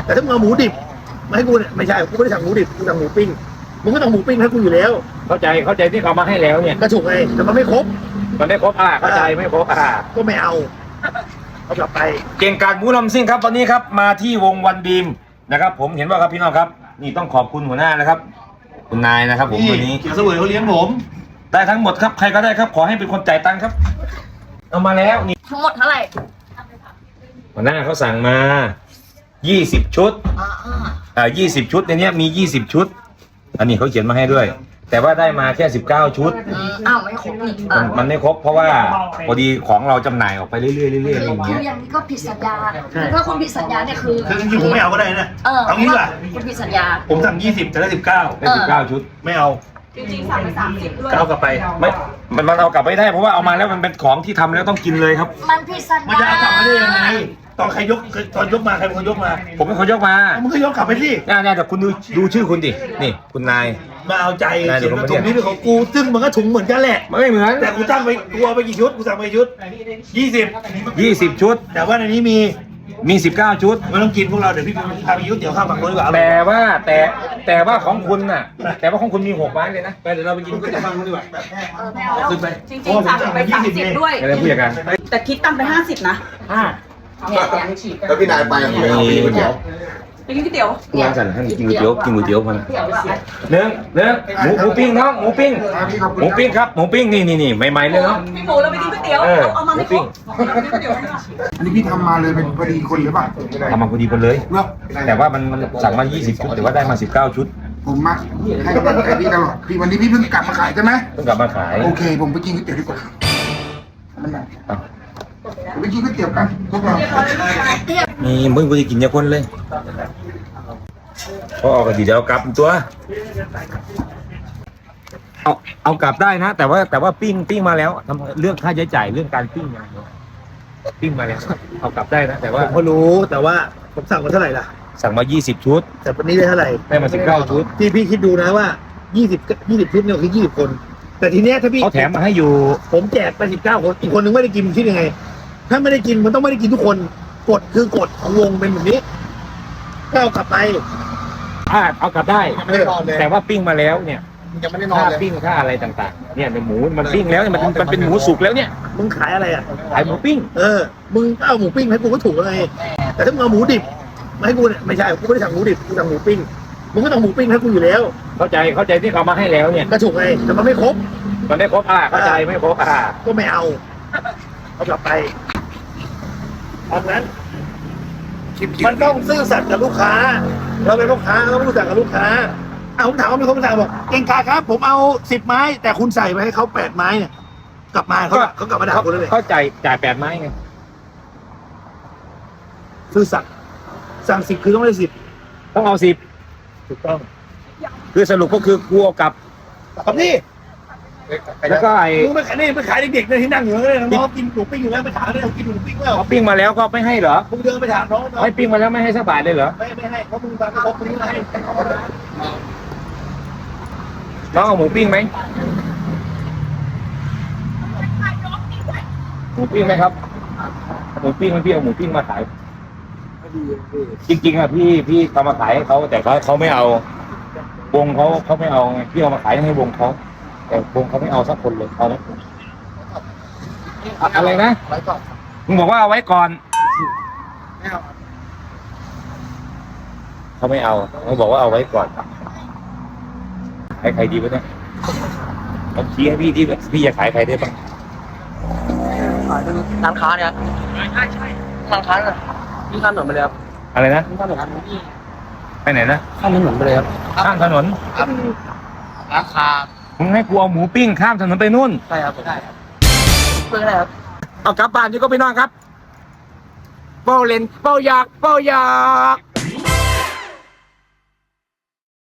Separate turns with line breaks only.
แต่ถ้ามึงเอาหมูดิบมาให้กูเนี่ยไม่ใช่กูไม่ได้สั่งหมูดิบกูสั่งหมูปิ้งมึงก็ต้องหมูปิ้งให้กูอยู่แล้ว
เข้าใจที่เขามาให้แล้วเนี่ย
ก็ถูกไงแต่มันไม่ครบ
เข้าใจไม่ครบ
ก็ไม่เอากลับไป
เก่งกาจหมูลำซิ่งครับวันนี้ครับมาที่วงวันดีมนะครับผมเห็นว่าครับพี่น้องครับนี่ต้องขอบคุณหัวหน้านะครับคุณนายนะครับผมวันนี้
เขียวเสวยเขาเลี้ยงผม
ได้ทั้งหมดครับใครก็ได้ครับขอให้เป็นคนจ่ายตังค์ครับเอามาแล้วนี่
ทั้งหมดเท่าไหร่
หัวหน้าเขาสั่งมา20ชุด20ชุดในนี้มี20ชุดอันนี้เขาเขียนมาให้ด้วยแต่ว่าได้มาแค่19ชุด
อ้าวไม่ครบนี่
มันไม่ครบเพราะว่าพอดีของเราจำหน่ายออกไปเรื่อยๆเรื่อยๆอย่างเงี้ย
อย่างนี้ก็ผิดสัญญาถ้าคุณผิดสัญญาเนี่ยคือ
จริงๆผมไม่เอาก็ได้นะเอางี้ดีกว่า
คุณผิดสัญญา
ผมสั่ง20จะได้
19ชุด
ไม่เอา
จริงๆสั่งไป30ด้วย
เอากลับไป
ไม่มันเอากลับไม่ได้เพราะว่าเอามาแล้วมันเป็นของที่ทำแล้วต้องกินเลยครับ
มันผิดสัญญา
มันจะเอากลับมาได้ยังไงตอนใครยกตอนยกมาใครเป็นคนยกมา
ผมเป็นคนยกมา
มึงก็ยกกลับไปสิ
เนี่ยแต่คุณดูชื่อคุณดินี่คุณนาย
มาเอาใจเขียนว่าถุงนี้เป็นของกูซึ่งมันก็ถุงเหมือนกันแหละ
ไม่เหมือน
แต่กูตั้งไปกูเอาไปกี่ชุดกูสั่งไปชุด
20ชุด
แต่ว่าในนี้มี
19ชุด
ไม่ต้องกินพวกเราเดี๋ยวพี่พาไปยุทธเดี๋ยวข้าวผักคนดีกว่า
แต่ว่าของคุณน่ะแต่ว่าของคุณมี6ไม้เลยนะไปเดี๋ยวเราไปกินก๋วยเตี๋ยวข้าวผักคนดีกว่า
ไม่เอาแล้วจริงๆสั่งไป30ด้วย
อะไรผู้จัดการ
แต่คิดตังค์ไป50นะ
แล้วพี่นายไป
ก๋วยเตี๋ยว
ไปกินก๋วยเตี๋ยว
ร้านสั่นให้กินก๋วยเตี๋ยวมันเนื้อหมูปิ้งน้องหมูปิ้งครับหมูปิ้งนี่ใหม่ๆเลยเนาะ
พี่หมูเราไปกินก๋วยเตี๋ยวเอามาไม่ครบ
อันนี้พี่ทำมาเลยเป็นพอดีคนหรือเปล่า
ทำมาพอดีคนเลยแต่ว่ามันสั่งมา20ชุดแต่ว่าได้มา19ชุด
ผมมาให้กำลังใจพี่ตลอดพี่วันนี้พี่เพิ่งกลับมาขายใช่ไหม
เพิ่งกลับมาขาย
โอเคผมไปกินก๋วยเตี๋ยวดีกว่าไปกินก๋วยเตี๋ยวกันพวกเรา
นี่มึงกูจะกินยาคนเลยพอออกก็ดีเดี๋ยวกลับตัวเอากลับได้นะแต่ว่าปิ้งมาแล้วทำเรื่องค่าใช้จ่ายเรื่องการปิ้งมาแล้วเอากลับได้นะแต่ว่า
ผมก็รู้แต่ว่าผมสั่งมาเท่าไหร่ล่ะ
สั่งมา20ชุด
แต่วันนี้ได้เท่าไหร่
ได้มา19ชุด
พี่คิดดูนะว่า20ชุดเนี่ยคือ20คนแต่ทีเนี้ยถ้าพี่
เขาแถมมาให้อยู่
ผมแจกไป19คนอีกคนนึงไม่ได้กินคิดยังไงถ้าไม่ได้กินมันต้องไม่ได้กินทุกคนกฎคือกฎของวงเป็นแบบนี้ก็เอากลับไป
เอากลับได้แต่ว่าปิ้งมาแล้วเนี่ย
ยังไม่ได้นอนเลย
ปิ้งค่าอะไรต่างๆเนี่ยในหมูมันปิ้งแล้วเนี่ยมันเป็นหมูสุกแล้วเนี่ย
มึงขายอะไรอ่ะ
ขายหมูปิ้ง
มึงเอาหมูปิ้งให้กูก็ถูกแล้วไงแต่ถ้ามึงเอาหมูดิบมาให้กูเนี่ยไม่ใช่กูไม่ได้สั่งหมูดิบกูสั่งหมูปิ้งมึงก็ต้องหมูปิ้งให้กูอยู่แล้ว
เข้าใจที่เขามาให้แล้วเนี่ย
ก็ถูกไงแต่มันไม่ครบ
เข้าใจไม่ครบ
ก็ไม่เอากลับไปตอนนั้นมันต้องซื่อสัตย์กับลูกค้าเราเป็นลูกค้าเราต้องซื่อสัตย์กับลูกค้าผมถามว่ามีคนมาสั่งบอกเก่งกาครับผมเอา10ไม้แต่คุณใส่ไปให้เขา8ไม้เนี่ยกลับมาเขากลับมาด่าคุณเลย
เขาจ่าย8ไม้ไง
ซื่อสัตย์สั่ง10คือต้องได้10
ต้องเอา10ถูกต้องคือสรุปก็คือกูเอากลับ
นี่
แล้วก็
มึงไปขายเด็กๆที่นั่งอยู่เลยน้องกินหมูปิ้งอยู่แล้วไปถามเลยกินหมูปิ้งแล้ว
ปิ้งมาแล้วก็ไม่ให้เหรอ
มึงเดินไปถามน้อง
ไม่ปิ้งมาแล้วไม่ให้สักบาทเลยเหรอ
ไม่ให้เพราะมึงมาไม่ครบมึงไม่ให้
น้องเอาหมูปิ้งไหมหมูปิ้งไหมครับหมูปิ้งพี่เอาหมูปิ้งมาขายจริงๆอะพี่เอามาขายให้เขาแต่เขาไม่เอาวงเขาไม่เอาไงพี่เอามาขายให้วงเขาแต่วงเขาไม่เอาสักคนเลยเอาไหมอะไรนะมึงบอกว่าเอาไว้ก่อนเขาไม่เอาเขาบอกว่าเอาไว้ก่อนใครดีวะเนี่ยผมชี้ให้พี่ที่พี่จะขายใครได้บ้าง
ร้านค้าเนี่ยใช่ร้านค้าเนี่ยพี่ข้ามถนนไปเลยครับ
อะไรนะ
พี่ข้ามถนน
ไปไหนนะ
ข้ามถนนไปเลยครับ
ข้ามถนน
ราคา
มึงให้กูเอาหมูปิ้งข้ามถนนไปนู่น
ใช่ครับใช่ครับเพื่ออะไรครับ
เอากลับบ้านที่ก็ไปนอนครับเป้าเล่นเป้าอยาก